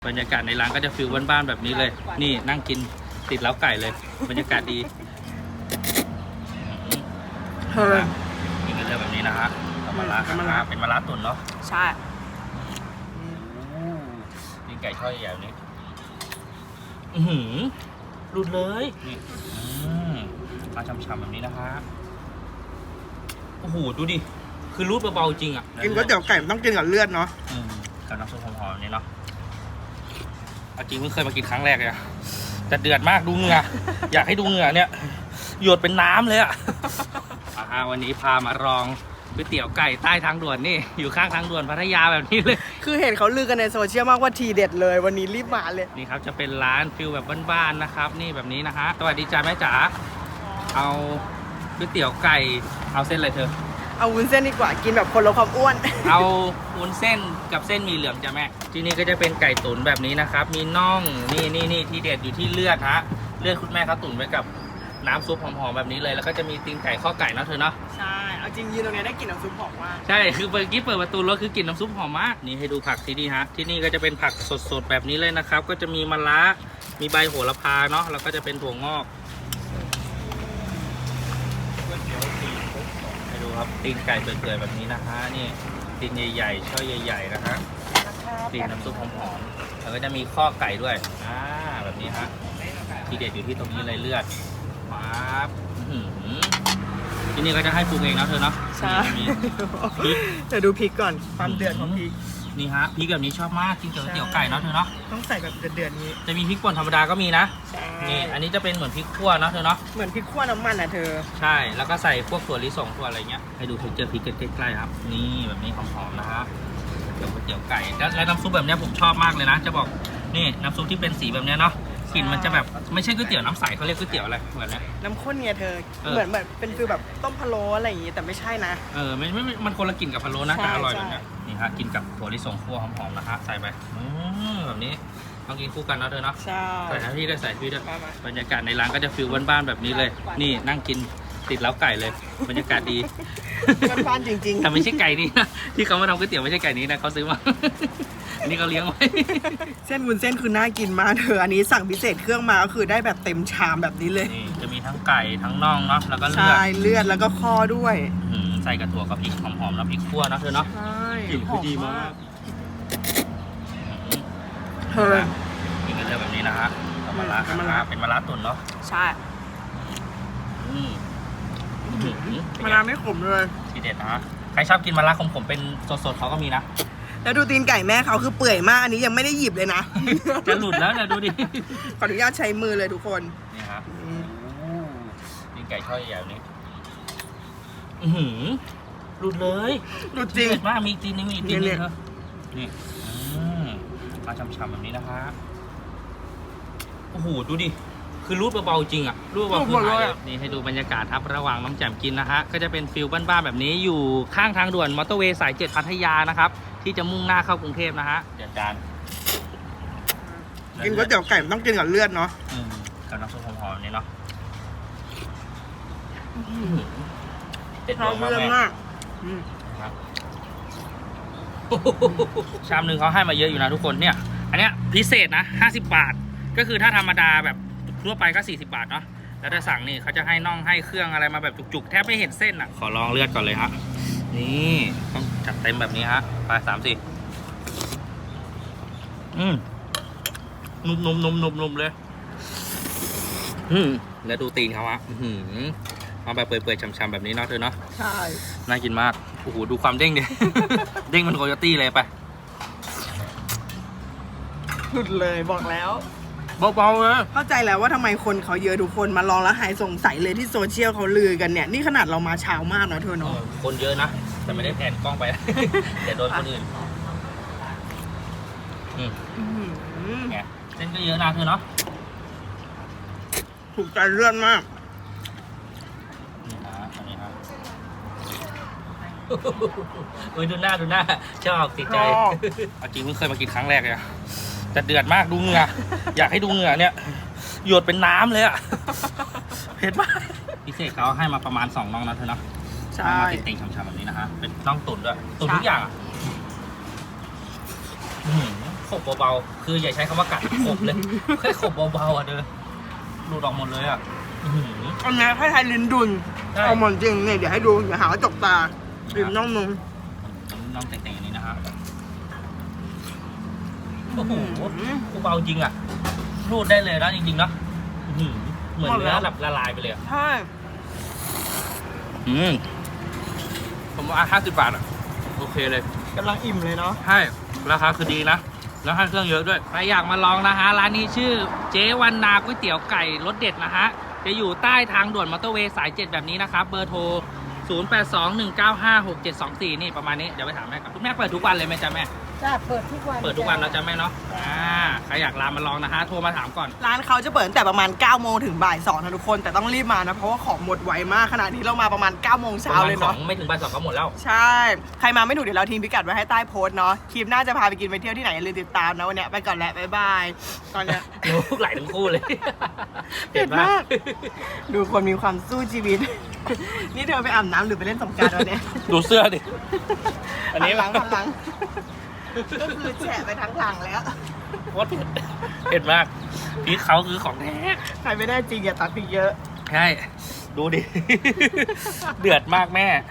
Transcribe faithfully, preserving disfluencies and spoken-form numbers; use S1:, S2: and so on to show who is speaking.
S1: บรรยากาศในร้านก็จะฟิลบ้านๆแบบนี้เลยนี่นั่งกินติดเล้าไก่เลยบรรยากาศดี
S2: เฮ้ย
S1: กินกันเลยแบบนี้นะฮะมะระเป็นมะระตุ๋นเนาะ
S2: ใช่
S1: กินไก่ทอดใหญ่ๆนี้อือหือหลุดเลยนี่มาช้ำๆแบบนี้นะฮะโอ้โหดูดิคือรูดเบาๆจริงอ่ะ
S2: กินก๋วยเตี๋ยวไก่ต้องกินกับเลือดเนาะ
S1: กับน้ำซุปหอมๆแบบนี้เนาะจริงเพิ่งเคยมากินครั้งแรกเลยแต่เดือดมากดูเหงื่อ อยากให้ดูเหงื่อเนี่ยหยดเป็นน้ำเลยอ่ะ วันนี้พามาลองก๋วยเตี๋ยวไก่ใต้ทางด่วนนี่อยู่ข้างทางด่วนพัทยาแบบนี้เลย
S2: คือเห็นเขาลือกันในโซเชียลมากว่าทีเด็ดเลยวันนี้รีบมาเลย
S1: นี่ครับจะเป็นร้านฟิลแบบบ้านๆนะครับนี่แบบนี้นะฮะสวัสดีจ้าแม่จ๋าเอาก๋วยเตี๋ยวไก่เอาเส้นอะไรเธอ
S2: เอาวุ้นเส้นดีกว่ากินแบบคนลดความอ้วน
S1: เอาวุ้นเส้นกับเส้นมีเหลืองจ้ะแม่ที่นี่ก็จะเป็นไก่ตุ๋นแบบนี้นะครับมีน่องนี่นี่นี่ที่เด็ดอยู่ที่เลือดฮะเลือดคุณแม่เขาตุ๋นไว้กับน้ำซุปหอมๆแบบนี้เลยแล้วก็จะมีตีนไก่ข้อไก่นะเธอเนาะ
S2: ใช่เอาจริงยืนตรงนี้ได้กลิ่นน้ำซุปหอมมาก
S1: ใช่คือเมื่อกี้เปิดประตูรถคือกลิ่นน้ำซุปหอมมากนี่ให้ดูผักที่นี่ฮะที่นี่ก็จะเป็นผักสดๆแบบนี้เลยนะครับก็จะมีมะระมีใบโหระพาเนาะแล้วก็จะเป็นถั่วงอกให้ดูครับตีนไก่เปื่อยๆแบบนี้นะฮะนี่ตีนใหญ่ๆช่อใหญ่ๆนะฮะตีนน้ำซุปหอมๆแล้วก็จะมีข้อไก่ด้วยอ่าแบบนี้ฮะที่เด็ดอยู่ที่ตรงนี้เลยเลือดปั๊บที่นี่ก็จะให้ปรุงเองนะเธอเนาะ
S2: ใช่เดี๋ยวดูพริกก่อนความเดือดของพริก
S1: นี่ฮะพริกแบบนี้ชอบมากกินกับก๋วยเตี๋ยวไก่เนาะเธอเนาะ
S2: ต้องใส่แบบเดือดๆนี้
S1: จะมีพริกป่นธรรมดาก็มีนะนี่อันนี้จะเป็นเหมือนพริกขั่วเนาะเธอเนาะ
S2: เหมือนพริกขั่วน้ำมันอ่ะเธอ
S1: ใช่แล้วก็ใส่พวกถั่วลิสงถั่วอะไรเงี้ยให้ดูเทคเจอร์พริกใกล้ๆครับนี่แบบนี้หอมๆนะฮะเดี๋ยวก๋วยเตี๋ยวไก่และน้ำซุปแบบนี้ผมชอบมากเลยนะจะบอกนี่น้ำซุปที่เป็นสีแบบนี้เนาะกลิ่นมันจะแบบไม่ใช่ก๋วยเตี๋ยวน้ำใสเขาเรียกก๋วยเตี๋ยวอะไรเหมือนนะ
S2: น้ำข้นเนี่ยเธอเหมือนแบบเป็นฟิลแบบต้มพะโล้อะไรอย่างงี้แต่ไม่ใช่นะ
S1: เออไม่ไม่มันคนละกลิ่นกับพะโล้นะแต่อร่อยแบบนี้นี่ฮะกินกับถั่วลิสงคั่วหอมๆนะฮะใส่ไปแบบนี้ต้องกินคู่กันนะเธอเนาะ
S2: ใช่
S1: ใส่น้ำพี่ด้วยใส่พี่ด้วยบรรยากาศในร้านก็จะฟิลบ้านๆแบบนี้เลยนี่นั่งกินติดเล้าไก่เลยบรรยากาศดี
S2: บ้านจริงๆ
S1: แต่ไม่ใช่ไก่นี้นะที่เขามาทำก๋วยเตี๋ยวไม่ใช่ไก่นี้นะเขาซื้อมาอันนี้เขาเลี้ยงไว้
S2: เส้นวุ้นเส้นคือน่ากินมากเธออันนี้สั่งพิเศษเครื่องมาก็คือได้แบบเต็มชามแบบนี้เลย
S1: นี่จะมีทั้งไก่ทั้งน่องเนาะแล้วก็เลือด
S2: ใช่เลือดแล้วก็ข้อด้วย
S1: ใส่กระถั่วกับพริกหอมๆแล้วพริกขั่วนะเธอเนาะ
S2: ใช่
S1: กลิ่นคือดีมาก
S2: เธอ
S1: กินกันเลยแบบนี้นะฮะมะระเป็นมะระตุ๋นเนาะ
S2: ใช่มะระไม่ขมเลย
S1: ทีเด็ดนะฮะใครชอบกินมะระขมๆเป็นสดๆเขาก็มีนะ
S2: แล้วดูตีนไก่แม่เขาคือเปื่อยมากอันนี้ยังไม่ได้หยิบเลยนะ
S1: จะหลุดแล้วนะดูดิ
S2: ขออนุญาตใช้มือเลยทุกคน
S1: นี่ครับตีนไก่ทอดใหญ่ๆนี้อือหือหลุดเลย
S2: หลุดจริง
S1: มากมีตีนนึงมีตีนนึงครับนี่มาช้ำๆแบบนี้นะคะโอ้โหดูดิคือรูดเบาๆจริงอ่ะรูดเบาๆคือหายนี่ให้ดูบรรยากาศครับระหว่างน้องแจ่มกินนะฮะก็จะเป็นฟิลบ้านๆแบบนี้อยู่ข้างทางด่วนมอเตอร์เวย์สายเจ็ดพัทยานะครับที่จะมุ่งหน้าเข้ากรุงเทพนะฮะเดือดจาน
S2: กินก๋วยเตี๋ยวไก่ต้องกินกับเลือดเนาะ
S1: กับน้ำซุปหอมๆนี่เนาะ
S2: เด็ดมากมาก
S1: ชามหนึ่งเขาให้มาเยอะอยู่นะทุกคนเนี่ยอันเนี้ยพิเศษนะห้าสิบบาทก็คือถ้าธรรมดาแบบทั่วไปก็สี่สิบบาทเนาะแล้วถ้าสั่งนี่เขาจะให้น่องให้เครื่องอะไรมาแบบจุกๆแทบไม่เห็นเส้นอ่ะขอลองเลือดก่อนเลยฮะนี่ต้องจัดเต็มแบบนี้ฮะไปสามสี่อืมนุ่มนุ่มนุ่มนุ่มนุ่มเลยอืมแล้วดูตีนเขาฮะอืมมาแบบเปื่อยๆช้ำๆแบบนี้เนาะเธอเนาะ
S2: ใช่
S1: น่ากินมากโอ้โหดูความเด้งดิ เด้งมันโคโยตี้เลยไป
S2: หลุดเลยบอกแล้ว
S1: เบาๆเลย
S2: เข้าใจแล้วว่าทำไมคนเขาเยอะทุกคนมาลองแล้วหายสงสัยเลยที่โซเชียลเขาลือกันเนี่ยนี่ขนาดเรามาเช้ามากนะเธอเนาะ
S1: คนเยอะนะแต่ไม่ได้แผนกล้องไปเดี๋ยวโดนคนอื่นไงเส้นก็เยอะนะเธอเนาะ
S2: ถูกใจเลือดมาก
S1: นี่ฮะอันนี้ฮะเอ้ยดูหน้าดูหน้าชอบติดใจจริงเพิ่งเคยมากินครั้งแรกเลยแต่เดือดมากดูเหงื่ออยากให้ดูเหงื่อเนี่ยหยดเป็นน้ำเลยอ่ะเผ็ดมากพิเศษเขาให้มาประมาณสองน่องนะเธอเนาะ
S2: ใช่
S1: มาติ่งๆช้ำๆแบบนี้นะฮะเป็นน่องตุ๋นด้วยตุ๋นทุกอย่างอ่ะคขบเบาๆคืออย่าใช้คำว่ากัดขบเลยแค่ขบเบาๆอ่ะเด้อหลุดออกหมดเลยอ่ะอื้อหือ
S2: อันนี้ให้ไทยลิ้นดุน
S1: ใช่
S2: เอาหมดจริงเนี่ยเดี๋ยวให้ดูอย่าหาว่าจกตาริมน่องนึง
S1: น้องเต่งๆอันนี้นะฮะโอ้โหกูเบาจริงอ่ะรูดได้เลยนะจริงๆเนาะอื้อหือเหมือนเนื้อแบบละลายไปเลยอะ
S2: ใช่
S1: อืมผมว่าห้าสิบบาทอ่ะโอเคเลย
S2: กำลังอิ่มเลยเนาะ
S1: ใช่ราคาคือดีนะแล้วให้เครื่องเยอะด้วยใครอยากมาลองนะฮะร้านนี้ชื่อเจ๊วันนาก๋วยเตี๋ยวไก่รสเด็ดนะฮะจะอยู่ใต้ทางด่วนมอเตอร์เวย์สายเจ็ดแบบนี้นะครับเบอร์โทรศูนย์ แปด สอง หนึ่ง เก้า ห้า หก เจ็ด สอง สี่นี่ประมาณนี้เดี๋ยวไปถามแม่ก่อนคุณแม่เปิดทุกวันเลยไหมจ๊ะแม่
S3: จ้าเปิดทุกวัน
S1: เปิดทุกวันแล้วจ้ะแม่เนาะอ่าใครอยากลามาลองนะฮะโทรมาถามก่อน
S2: ร้านเขาจะเปิดตั้งแต่ประมาณ9ก้าโมงถึงบ่ายสองนะทุกคนแต่ต้องรีบมานะเพราะว่าของหมดไวมากขนาดนี้เรามาประมาณ9ก้าโมงเช้าเลย
S1: ขอ
S2: เนาะ
S1: งไม่ถึงบ่ายสองก็หมดแล้ว
S2: ใช่ ใครมาไม่ถูกเดี๋ยวเราทิ้งพิกัดไว้ให้ใต้โพสต์เนาะ คลิปหน้าจะพาไปกินไปเที่ยวที่ไหนอย่าลืมติดตามนะวันเนี้ยไปก่อนแล้วบ๊ายบาย ตอนเนี้ย
S1: ลูกไหลทั้งคู่เลย
S2: เผ็ดมาก ดูคนมีความสู้ชีวิต นี่เธอไปอาบน้ำหรือไปเล่นสงกรานต์วันเนี้ย
S1: ดูเสื้อดิ อันนี้
S2: หันหลังหันหลัง ก็คือแฉะไปทั้งหลังแล้ว
S1: โคตรเผ็ดเผ็ดมากพริกเขาคือของแท้
S2: ใครไม่ได้จริงอย่าตัดพริกเยอะ
S1: ใช่ ดูดิ เดือดมากแม่